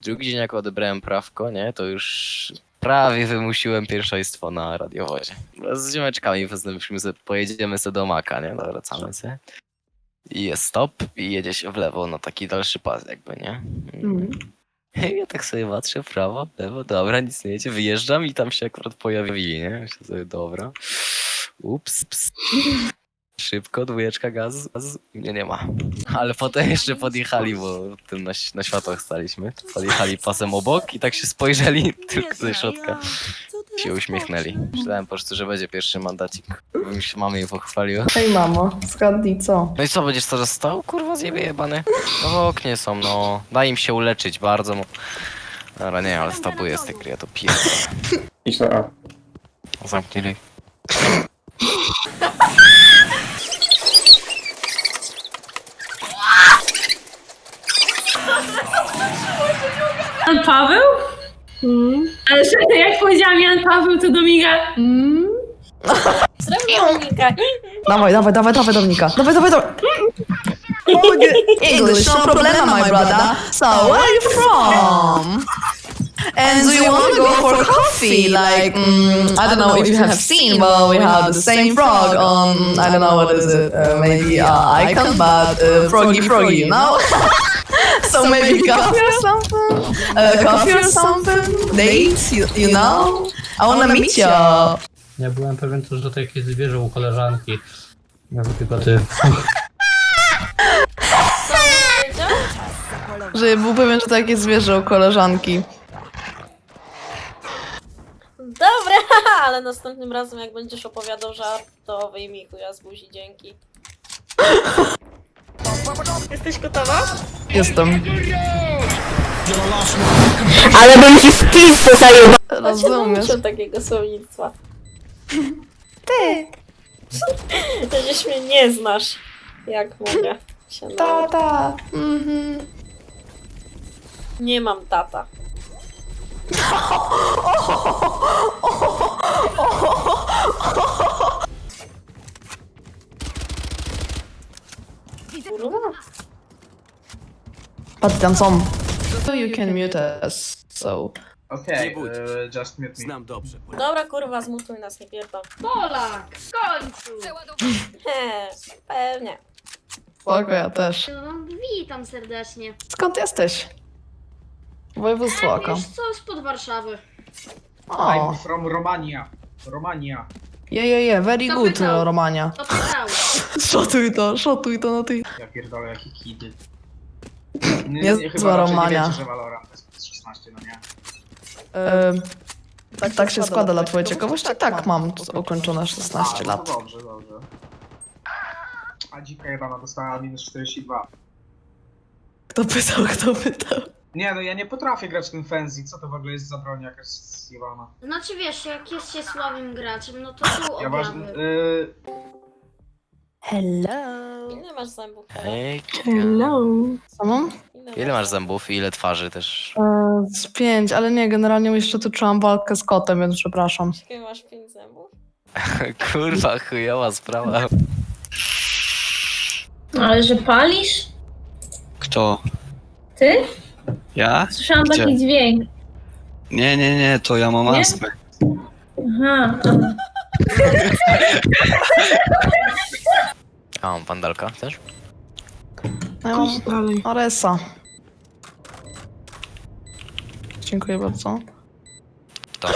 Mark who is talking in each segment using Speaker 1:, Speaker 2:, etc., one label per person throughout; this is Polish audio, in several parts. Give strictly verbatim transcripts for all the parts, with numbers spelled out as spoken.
Speaker 1: drugi dzień jak odebrałem prawko, nie, to już prawie wymusiłem pierwszeństwo na radiowozie. Z ziomeczkami postanowiliśmy sobie, pojedziemy sobie do Maka, nie, no wracamy sobie. I jest stop i jedzie się w lewo na taki dalszy pas jakby, nie.
Speaker 2: Mm.
Speaker 1: Ja tak sobie patrzę w prawo, w lewo, dobra, nic nie jedzie, wyjeżdżam i tam się akurat pojawili, nie? Myślę sobie, dobra. Ups, ps. Szybko, dwójeczka, gaz, gaz, mnie nie ma. Ale potem jeszcze podjechali, bo tym na, na światłach staliśmy. Podjechali pasem obok i tak się spojrzeli tylko ze środka. Się uśmiechnęli. Myślałem po prostu, że będzie pierwszy mandacik. Bo mi się mamy jej pochwaliła.
Speaker 2: Hej mamo, zgadnij co?
Speaker 1: No i co, będziesz teraz stał? Kurwa, zjebie jebany. No w oknie są, no. Daj im się uleczyć bardzo. Mo... Dobra, nie, ale stabuję z tej gry, ja to pierdolę.
Speaker 3: Idź na A.
Speaker 1: Zamknij.
Speaker 4: Jan Paweł?
Speaker 2: Mm.
Speaker 4: Ale że jak powiedziałam Jan Paweł, to Dominika...
Speaker 2: Mm.
Speaker 4: Srebrna Dominika.
Speaker 2: Dawaj, dawaj, dawaj, dawaj Dominika. Dawaj, dawaj, dawaj. English, no problema, my brother. So, where are you from? And do you want to go for coffee? Like, mm, I don't know if you have seen, but we have the same frog on, I don't know what is it, uh, maybe uh, icon, but uh, froggy froggy, you know? So maybe coffee or something? Uh, coffee or something? Dates, you, you know? I wanna meet you.
Speaker 5: Ja byłem pewien też, że to jakieś zwierzę u koleżanki. Ja tylko ty.
Speaker 2: Że był pewien, że to jakieś zwierzę u koleżanki.
Speaker 6: Dobra, ale następnym razem jak będziesz opowiadał żart, to wyjmij chuja z buzi, dzięki. Jesteś gotowa?
Speaker 2: Jestem.
Speaker 6: Ale bym ci w pizdę zajebał!
Speaker 2: Rozumiesz.
Speaker 6: Muszę takiego słownictwa.
Speaker 2: Ty.
Speaker 6: Przecież mnie nie znasz. Jak mogę się
Speaker 2: Ta,
Speaker 6: nauczyć?
Speaker 2: ta. Mhm.
Speaker 6: Nie mam tata. Kurwa.
Speaker 2: Patrz tam są. So you can mute us, so...
Speaker 3: Okej, okay, just mute me.
Speaker 7: Znam dobrze.
Speaker 6: Dobra kurwa, zmutuj nas, nie pierdol.
Speaker 4: Polak, w końcu!
Speaker 6: He, pewnie.
Speaker 2: Spoko, ja też.
Speaker 8: No, witam serdecznie.
Speaker 2: Skąd jesteś? Województwo oko.
Speaker 8: Wiesz co, spod Warszawy.
Speaker 2: O,
Speaker 3: I'm from Romania. Romania.
Speaker 2: je, je, je, very
Speaker 8: Kto
Speaker 2: good,
Speaker 8: pytał?
Speaker 2: Romania.
Speaker 8: To pytał.
Speaker 2: Szotuj to, szotuj to na ty.
Speaker 3: Ja pierdolę, jakie kidy.
Speaker 2: Jest
Speaker 3: chyba
Speaker 2: zła
Speaker 3: raczej nie
Speaker 2: Romania.
Speaker 3: wiecie, że Valorant jest szesnaście, no nie?
Speaker 2: Ehm, tak, tak się składa dla twojej ciekawości? Tak, mam ukończone szesnaście
Speaker 3: A,
Speaker 2: lat.
Speaker 3: No to dobrze, dobrze. A dzika jebana dostała minus czterdzieści dwa.
Speaker 2: Kto pytał, kto pytał?
Speaker 3: Nie no, ja nie potrafię grać w tym Frenzy. Co to w ogóle jest za broń jakaś zjebana?
Speaker 8: Znaczy wiesz, jak jest się słabym graczem, no to są
Speaker 3: Ja ważny...
Speaker 8: objawy.
Speaker 3: Yy,
Speaker 2: Hello.
Speaker 6: Ile masz zębów?
Speaker 1: Hej,
Speaker 2: Co mam?
Speaker 1: ile masz zębów i ile twarzy też?
Speaker 2: Eee, z pięć, ale nie, generalnie jeszcze tu czułam walkę z kotem, więc przepraszam.
Speaker 6: Jakie masz pięć zębów?
Speaker 1: Kurwa, chujowa sprawa.
Speaker 4: Ale że palisz?
Speaker 7: Kto?
Speaker 4: Ty?
Speaker 7: Ja?
Speaker 4: Słyszałam
Speaker 7: Gdzie?
Speaker 4: taki dźwięk.
Speaker 7: Nie, nie, nie, to ja mam
Speaker 4: Nie?
Speaker 7: astmę.
Speaker 4: Aha.
Speaker 1: A, mam pandalka też?
Speaker 2: Ja mam Aresa. Dziękuję bardzo.
Speaker 1: To.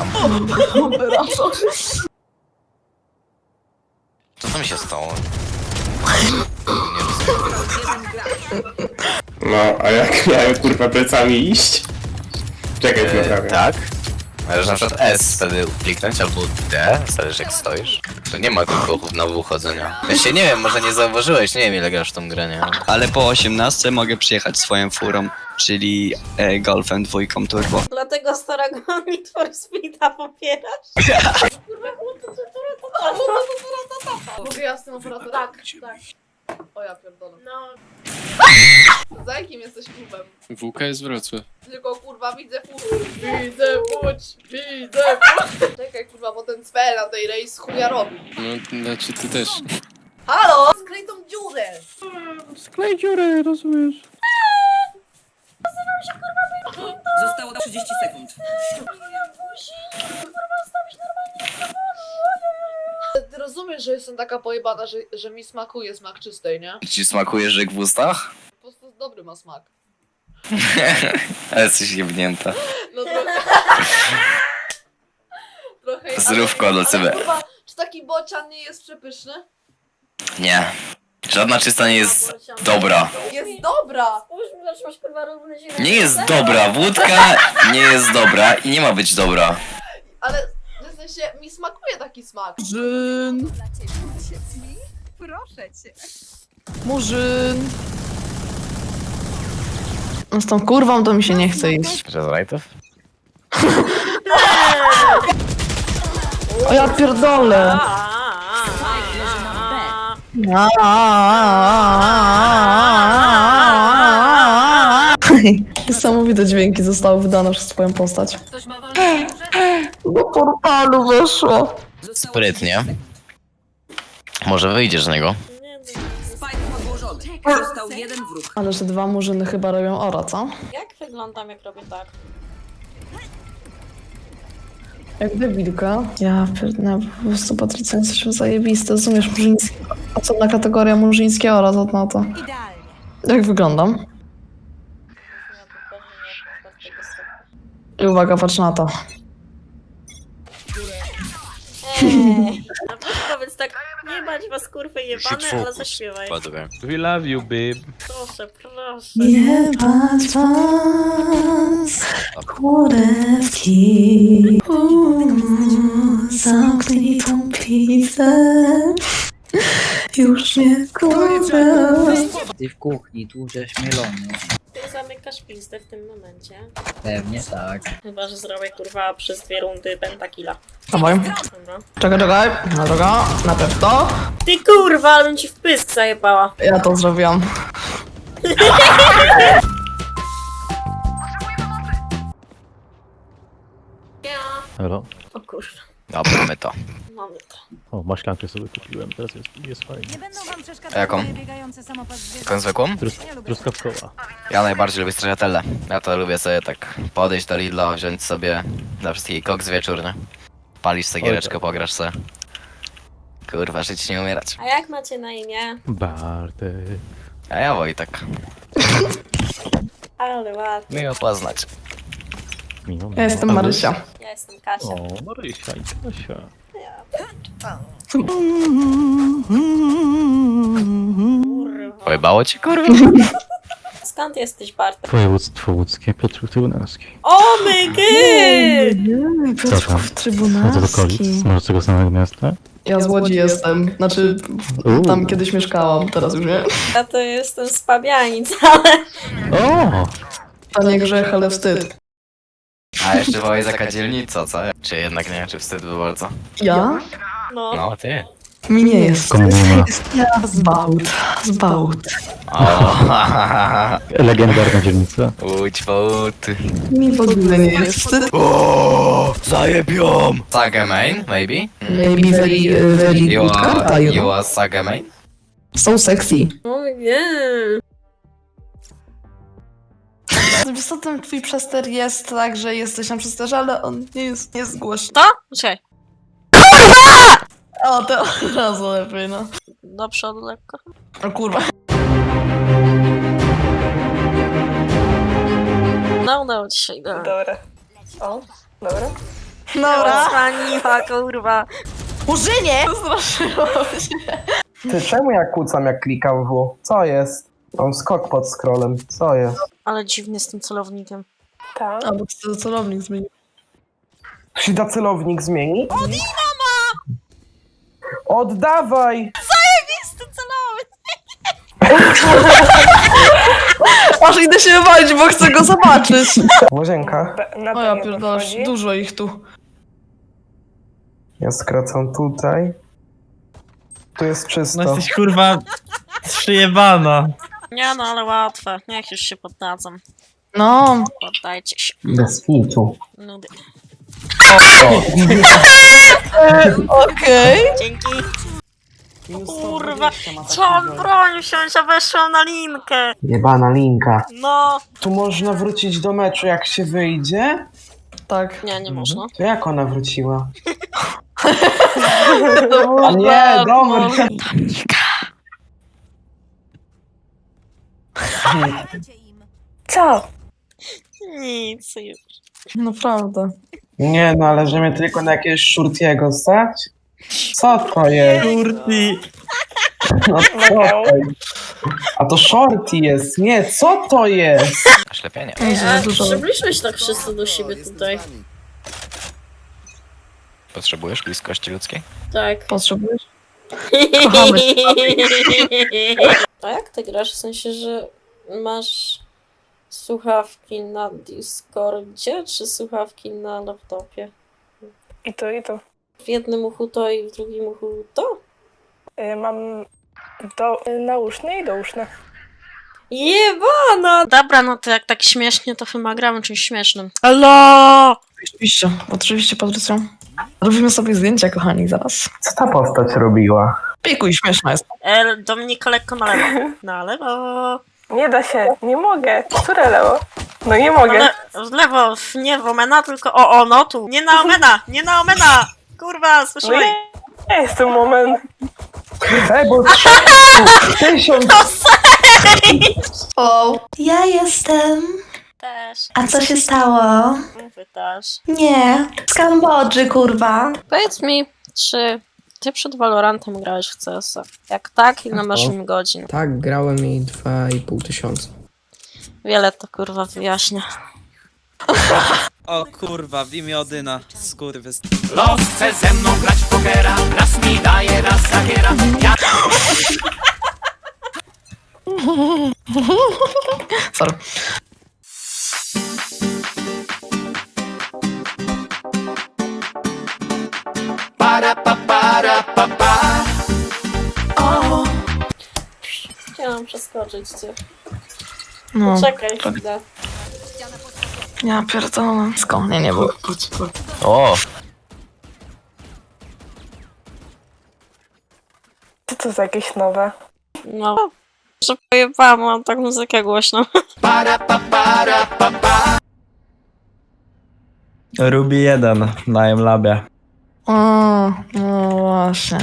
Speaker 1: Co tam się stało? Nie rozumiem.
Speaker 3: No, a jak miałem kurwa plecami iść? Czekaj,
Speaker 1: E,
Speaker 3: naprawię.
Speaker 1: tak? Możesz na przykład S wtedy kliknąć, albo D, zależy jak stoisz. To nie ma tych ruchów na wychodzenia. Jeszcze nie wiem, może nie zauważyłeś, nie wiem ile grasz w tą grę, nie?
Speaker 7: Ale po osiemnastce mogę przyjechać swoją furą, czyli e, Golfem dwójką turbo.
Speaker 6: Dlatego starego Need for Speeda popierasz?
Speaker 2: Mogę ja z tym operatorem?
Speaker 6: Tak, tak.
Speaker 2: O ja pierdolę.
Speaker 6: No,
Speaker 2: Za jakim jesteś klubem?
Speaker 9: W K jest Wrocław.
Speaker 2: Tylko kurwa widzę fuć, widzę fuć, widzę fuć. Czekaj kurwa, bo ten cwel na tej rejs chuja robi.
Speaker 9: No, znaczy ty też.
Speaker 2: Halo! Skryj tą dziurę!
Speaker 9: Sklej dziurę, rozumiesz?
Speaker 10: Zostało trzydzieści sekund.
Speaker 2: Ty rozumiesz, że jestem taka pojebana, że, że mi smakuje smak czystej, nie?
Speaker 1: Ci smakuje żyk w ustach?
Speaker 2: Po prostu dobry ma smak.
Speaker 1: Ale jesteś jebnięta.
Speaker 2: No trochę... trochę...
Speaker 1: Zdrówko
Speaker 2: ale-
Speaker 1: do ciebie.
Speaker 2: ale kurwa, czy taki bocian nie jest przepyszny?
Speaker 1: Nie. Żadna czysta nie jest dobra.
Speaker 2: Jest dobra!
Speaker 6: Spójrz mi, zaczęłaś kurwa równy ziemię.
Speaker 1: Nie jest dobra. Wódka nie jest dobra i nie ma być dobra.
Speaker 2: Ale w sensie mi smakuje taki smak.
Speaker 11: Murzyn.
Speaker 10: Proszę cię.
Speaker 11: Murzyn. No z tą kurwą to mi się nie chce iść.
Speaker 1: Przez rajtów?
Speaker 11: O ja pierdolę. Niesamowite dźwięki zostały wydane przez twoją postać. Do portalu weszło.
Speaker 1: Sprytnie. Może wyjdziesz z niego?
Speaker 10: Spike podłożony. Został jeden wróg.
Speaker 11: Ale że dwa murzyny chyba robią ora, co?
Speaker 6: Jak wyglądam, jak robię tak?
Speaker 11: Jak debilka. Ja pierdolę, po prostu Patrycja, jesteśmy zajebiste, rozumiesz, murzyńskie. Osobna kategoria murzyńskie ora, to na to.
Speaker 10: Idealnie.
Speaker 11: Jak wyglądam?
Speaker 6: Ja tu pewnie nie od tego stopnia.
Speaker 11: I uwaga, patrz na to.
Speaker 6: Ej, na pewno powiedz tak, nie bać was kurwy jebane,
Speaker 1: Shit,
Speaker 6: ale
Speaker 1: focus.
Speaker 6: zaśpiewaj.
Speaker 1: Padłem.
Speaker 9: We love you, babe.
Speaker 6: Proszę, proszę.
Speaker 11: Nie patrz was, kurewki, zamknij tą pizzę, już nie kurę.
Speaker 12: Ty w kuchni, tłuczesz mielony.
Speaker 6: Ty zamykasz pizdę w tym momencie.
Speaker 12: Pewnie tak.
Speaker 6: Chyba, że zrobię kurwa przez dwie rundy pentakilla.
Speaker 11: Dawaj,
Speaker 6: Dobra.
Speaker 11: czekaj, czekaj, no droga, najpierw to.
Speaker 6: Ty kurwa, ale bym ci w pysk zajebała.
Speaker 11: Ja to zrobiłam.
Speaker 5: Halo?
Speaker 6: O kurwa,
Speaker 1: Dobra, mamy to.
Speaker 6: mamy to.
Speaker 5: O, maślankę sobie kupiłem, teraz jest, jest fajnie.
Speaker 10: Nie będą wam
Speaker 1: A
Speaker 10: przeszkadzać
Speaker 1: jaką?
Speaker 10: moje biegające samopas zwierząt.
Speaker 1: Taką zwykłą?
Speaker 5: Trus- truskawkowa.
Speaker 1: Ja najbardziej lubię stracciatelle. Ja to lubię sobie tak podejść do Lidla, wziąć sobie dla wszystkich koks wieczórny. Palisz sobie giereczkę, pograsz se. Kurwa, żyć nie umierać.
Speaker 6: A jak macie na imię?
Speaker 5: Bartek.
Speaker 1: A ja Wojtek.
Speaker 6: Ale ładnie.
Speaker 1: Miło poznać.
Speaker 5: Miło,
Speaker 11: Ja jestem Marysia.
Speaker 6: Ja jestem Kasia.
Speaker 5: O, Marysia i Kasia.
Speaker 6: Kurwa.
Speaker 1: Pojebało cię, kurwa?
Speaker 6: Skąd jesteś, Bartek?
Speaker 5: Województwo łódzkie, Piotr Trybunalski.
Speaker 6: O my gy!
Speaker 5: Co tam? No to do okolic? Może z tego samego miasta?
Speaker 11: Ja z Łodzi jestem, znaczy
Speaker 5: Uuu.
Speaker 11: tam kiedyś mieszkałam, teraz już nie.
Speaker 6: Ja to jestem z Pabianic, ale...
Speaker 5: O!
Speaker 11: To nie grzech, ale wstyd.
Speaker 1: A jeszcze Wojtek taka dzielnica, co? Czy jednak nie, czy wstyd by bardzo?
Speaker 11: Ja?
Speaker 6: No.
Speaker 1: No, ty.
Speaker 11: Mi nie jest.
Speaker 5: Komuna.
Speaker 11: Ja z Bałt, z Bałt.
Speaker 1: O,
Speaker 5: Legendarna dzielnica.
Speaker 1: Łódź połuty.
Speaker 11: Mi w ogóle nie jest wstyd.
Speaker 1: O, zajebią! Saga main, maybe?
Speaker 11: Maybe very, uh, very
Speaker 1: You
Speaker 11: good karta,
Speaker 1: are,
Speaker 11: you
Speaker 1: you
Speaker 11: know.
Speaker 1: are Saga main?
Speaker 11: So sexy.
Speaker 6: O nie.
Speaker 11: Wiesz co, ten twój przester jest tak, że jesteś na przesterze, ale on nie jest, nie jest głośny.
Speaker 6: To? Czekaj.
Speaker 11: O, to od razu lepiej, no.
Speaker 6: Do przodu lekko.
Speaker 11: O kurwa.
Speaker 6: No, udało ci się. Dobra.
Speaker 2: Dobra. O, dobra.
Speaker 11: Dobra.
Speaker 6: Zraniła, kurwa.
Speaker 11: Murzynie! Straszyło się.
Speaker 3: Ty, czemu ja kłócam jak klikam W? Co jest? Mam skok pod scrollem. Co jest?
Speaker 6: Ale dziwny z tym celownikiem.
Speaker 2: Tak.
Speaker 11: A, bo to celownik zmienił.
Speaker 3: Tu się da celownik zmienić? Oddawaj!
Speaker 11: Aż idę się wywalić, bo chcę go zobaczyć.
Speaker 3: Łazienka.
Speaker 11: O ja pierdolę, dużo ich tu.
Speaker 3: Ja skracam tutaj. Tu jest czysto.
Speaker 12: No jesteś kurwa przyjebana.
Speaker 6: Nie no, ale łatwe. Niech już się poddadzą.
Speaker 11: No.
Speaker 6: Poddajcie się.
Speaker 3: Bez fitu.
Speaker 6: Nudy.
Speaker 11: Okej.
Speaker 6: Dzięki. Kurwa, chciałam broń wziąć, a weszłam na linkę.
Speaker 3: Jebana linka.
Speaker 6: No.
Speaker 3: Tu można wrócić do meczu jak się wyjdzie?
Speaker 11: Tak.
Speaker 6: Nie, nie można.
Speaker 3: To jak ona wróciła?
Speaker 11: To
Speaker 3: Nie, dobra.
Speaker 11: Co?
Speaker 6: Nic już.
Speaker 11: Naprawdę.
Speaker 3: Nie no, ale że mnie tylko na jakiegoś Shurtiego stać? Co to jest?
Speaker 12: Kurti.
Speaker 3: No co to jest? A to Shorty jest. Nie, co to jest?
Speaker 1: Ślepienie.
Speaker 6: A,
Speaker 11: dużo.
Speaker 6: przybliżmy się tak wszyscy do siebie tutaj.
Speaker 1: Potrzebujesz bliskości ludzkiej?
Speaker 6: Tak.
Speaker 11: Potrzebujesz? Kochamy
Speaker 6: A jak ty grasz? W sensie, że masz słuchawki na Discordzie, czy słuchawki na laptopie?
Speaker 11: I to, i to.
Speaker 6: W jednym uchu to i w drugim uchu to?
Speaker 11: Mam do, nauszne i douszne.
Speaker 6: Jebana! Dobra, no to jak tak śmiesznie, to chyba gramy czymś śmiesznym. Halo!
Speaker 11: Oczywiście, oczywiście, Patrycja. Robimy sobie zdjęcia, kochani, zaraz.
Speaker 3: Co ta postać robiła?
Speaker 11: Pikuj, śmieszna jest.
Speaker 6: El, Dominika lekko na lewo. Na lewo.
Speaker 11: Nie da się, nie mogę. Które lewo? No nie mogę.
Speaker 6: Le w lewo, w nie w Omena, tylko o, o, no tu. Nie na Omena, nie na Omena! Kurwa, słyszałeś?
Speaker 11: Nie jest ten moment.
Speaker 3: Ej, bo tysiąc...
Speaker 2: O, ja jestem.
Speaker 6: Też.
Speaker 2: A co się stało?
Speaker 6: Wy też.
Speaker 2: Nie, z Kambodży, kurwa.
Speaker 6: Powiedz mi, czy ty przed Valorantem grałeś w C S a? Jak tak, ile masz im godzin?
Speaker 13: Tak, grałem i dwa i pół tysiąca.
Speaker 6: Wiele to kurwa wyjaśnia.
Speaker 12: O kurwa, w imię Odyna. Skurwys.
Speaker 14: Los chce ze mną grać w pokera, raz mi daje, raz zabiera. Ja...
Speaker 11: Sorry.
Speaker 14: Para pa para pa pa. O.
Speaker 6: Chciałam przeskoczyć cię.
Speaker 11: No,
Speaker 6: Czekaj chwilę.
Speaker 11: ja pierdolę. Skąd? Nie, nie było.
Speaker 1: O!
Speaker 11: Co to za jakieś nowe?
Speaker 6: No, że pojebałam, mam tak muzykę głośną.
Speaker 14: Para pa para pa pa.
Speaker 12: Ruby jeden na M-Labie.
Speaker 11: O, no właśnie.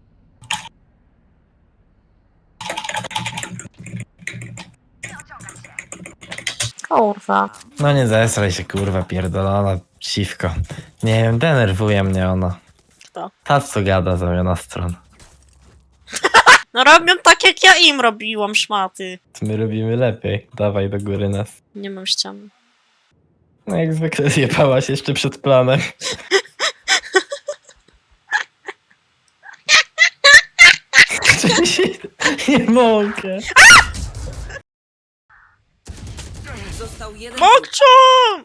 Speaker 6: Kurwa.
Speaker 12: No nie zesraj się kurwa, pierdolona siwko. Nie wiem, denerwuje mnie ona.
Speaker 6: Kto?
Speaker 12: Ta co gada zamiana stron.
Speaker 6: No robią tak jak ja im robiłam, szmaty.
Speaker 12: My robimy lepiej. Dawaj do góry nas.
Speaker 6: Nie mam ścian.
Speaker 12: No jak zwykle zjebałaś jeszcze przed planem. Nie mogę.
Speaker 10: Został jeden.
Speaker 6: Mokczą!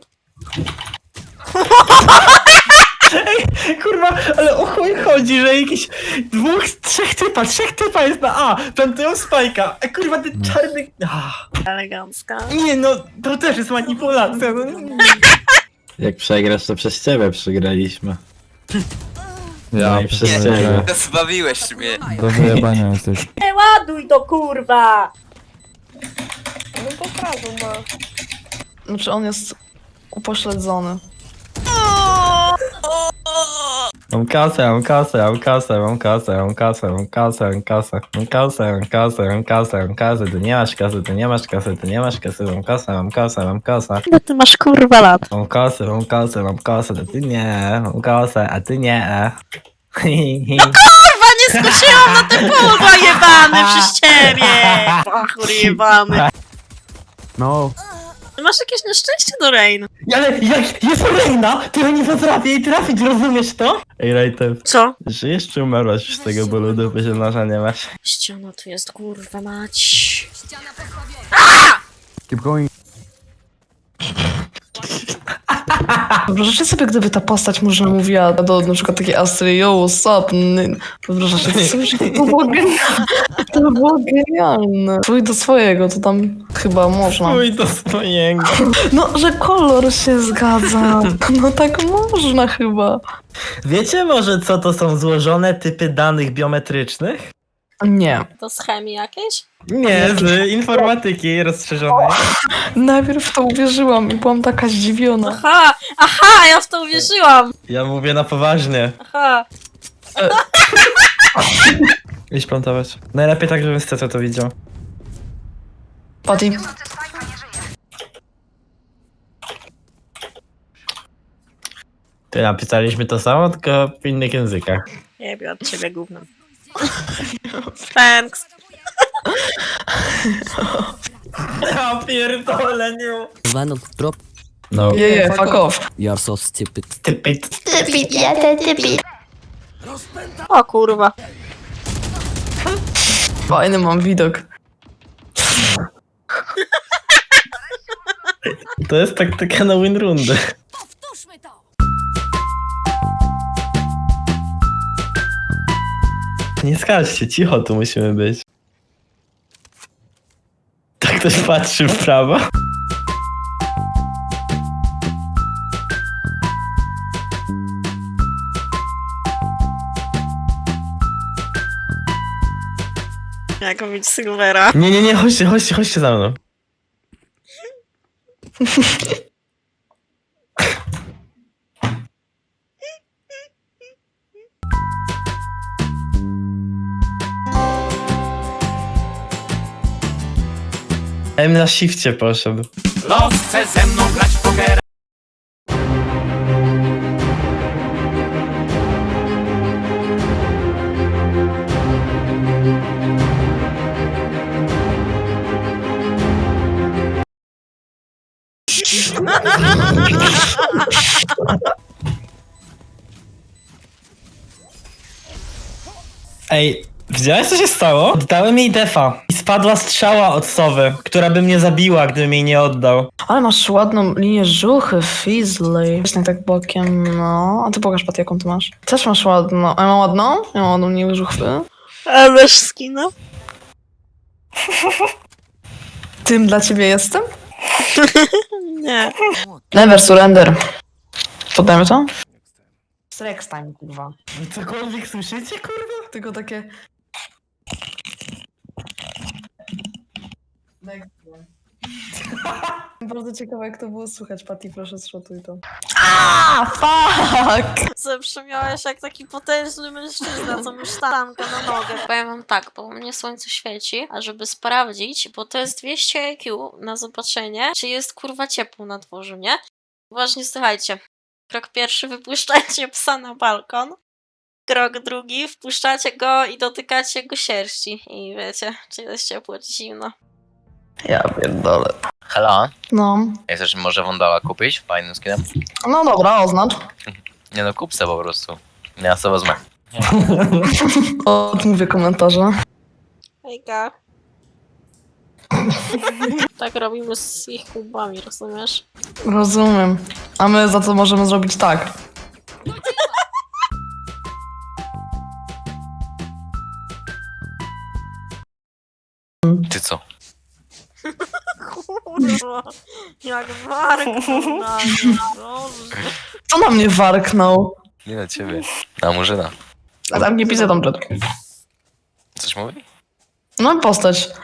Speaker 12: Kurwa, ale o chuj chodzi, że jakiś dwóch, trzech typa, trzech typa jest na A. Plantują spajka. A kurwa ten czarny... Ah.
Speaker 6: Elegancka.
Speaker 12: Nie no, to też jest manipulacja. No.
Speaker 15: Jak przegrasz, to przez ciebie przegraliśmy.
Speaker 12: Ja
Speaker 15: No i przez ciebie.
Speaker 7: Zbawiłeś mnie.
Speaker 15: Do wyjebania jesteś.
Speaker 6: Nie ładuj to kurwa!
Speaker 11: No to prawo ma. Znaczy on jest upośledzony.
Speaker 12: Mam kasę, mam kasę, mam kasę, mam kasę, mam kasę, mam kasę, mam kasę, mam kasę, mam kasę, mam kasę, mam kasę, ty nie masz kasy, ty nie masz kasy, ty nie masz kasy, mam kasę, mam kasę, mam kasę.
Speaker 6: No ty masz kurwa lat.
Speaker 12: Mam kasę, mam kasę, mam kasę, a ty nie, mam kasę, a ty nie.
Speaker 6: No kurwa, nie skoczyłam na te pudła jebany przez ciebie! Bachur jebany.
Speaker 15: No.
Speaker 6: Masz jakieś nieszczęście do Rain.
Speaker 12: Ale jak jest Reina, to ja nie potrafię jej trafić, rozumiesz to? Ej, Rajtew,
Speaker 6: Co?
Speaker 12: żyjesz czy umarłaś z tego bólu dupy, że noża nie masz?
Speaker 6: Ściana tu jest kurwa mać.
Speaker 15: Keep going.
Speaker 11: Wyobrażacie sobie, gdyby ta postać może mówiła do na przykład takiej Astry, yo, what's up? N- Wyobrażacie sobie, że to było genialne. To by było genialne. Twój do swojego, to tam chyba można.
Speaker 12: Twój do swojego.
Speaker 11: No, że kolor się zgadza. No tak można chyba.
Speaker 12: Wiecie może co to są złożone typy danych biometrycznych?
Speaker 11: Nie.
Speaker 6: To z chemii jakieś?
Speaker 12: Nie, z informatyki rozszerzonej.
Speaker 11: Najpierw w to uwierzyłam i byłam taka zdziwiona.
Speaker 6: Aha! Aha! Ja w to uwierzyłam!
Speaker 12: Ja mówię na poważnie.
Speaker 6: Aha!
Speaker 12: Idź plantować. Najlepiej tak, żebym z Ceco to widział.
Speaker 11: Patty.
Speaker 12: Ty napisaliśmy to samo, tylko w innych językach.
Speaker 6: Nie wiem, od ciebie gówno. Thanks.
Speaker 12: Ja pierdolę, nie.
Speaker 16: Venom, drop.
Speaker 12: No.
Speaker 11: Je, je, fuck off.
Speaker 16: You are so stupid.
Speaker 12: Stupid.
Speaker 11: Stupid, ja ten stupid.
Speaker 6: O kurwa.
Speaker 11: Fajny mam widok.
Speaker 12: To jest taktyka na win rundy. Nie skarżcie, cicho tu musimy być. Tak ktoś patrzy w prawo.
Speaker 6: Jak mówić Silvera.
Speaker 12: Nie, nie, nie, chodźcie, chodźcie, chodźcie za mną. M na shifcie poszedł.
Speaker 14: Los chce ze mną grać w pokera.
Speaker 12: Ej, widziałeś co się stało? Oddałem jej defa i spadła strzała od sowy, która by mnie zabiła, gdybym jej nie oddał.
Speaker 11: Ale masz ładną linię żuchy, Fizzly. Właśnie tak bokiem, no. A ty pokaż, Pat, jaką ty masz. Też masz ładną. A ja mam ładną? Ja mam ładną linię żuchwy.
Speaker 6: A masz skina?
Speaker 11: Tym dla ciebie jestem?
Speaker 6: Nie.
Speaker 11: Never surrender. Poddajmy to? Strex time, kurwa.
Speaker 12: Cokolwiek słyszycie, kurwa?
Speaker 11: Tylko takie... Bardzo ciekawe, jak to było słychać. Patty, proszę, zszotuj to. Aaaa, fuck!
Speaker 6: Zabrzmiałeś jak taki potężny mężczyzna, co mu sztankę na nogę. Powiem wam tak, bo u mnie słońce świeci, a żeby sprawdzić, bo to jest dwieście I Q na zobaczenie, czy jest kurwa ciepło na dworzu, nie? Uważnie słuchajcie. Krok pierwszy, wypuszczajcie psa na balkon. Krok drugi, wpuszczacie go i dotykacie jego sierści. I wiecie, czy jest ciepło, czy zimno.
Speaker 11: Ja pierdolę.
Speaker 1: Hela?
Speaker 11: No.
Speaker 1: Jak chcesz może Wondala kupić fajnym skinem?
Speaker 11: No dobra, oznacz.
Speaker 1: Nie no, kup se po prostu. Ja sobie wezmę.
Speaker 11: Odmówię komentarze.
Speaker 6: Hejka. Tak robimy z ich kubami, rozumiesz?
Speaker 11: Rozumiem. A my za co możemy zrobić tak?
Speaker 1: Ty co?
Speaker 6: Kurwa, jak warknął na mnie, Boże.
Speaker 11: Co na mnie warknął?
Speaker 1: Nie na ciebie. Na Murzyna.
Speaker 11: A tam nie piszę tam przed.
Speaker 1: Coś mówi?
Speaker 11: No postać.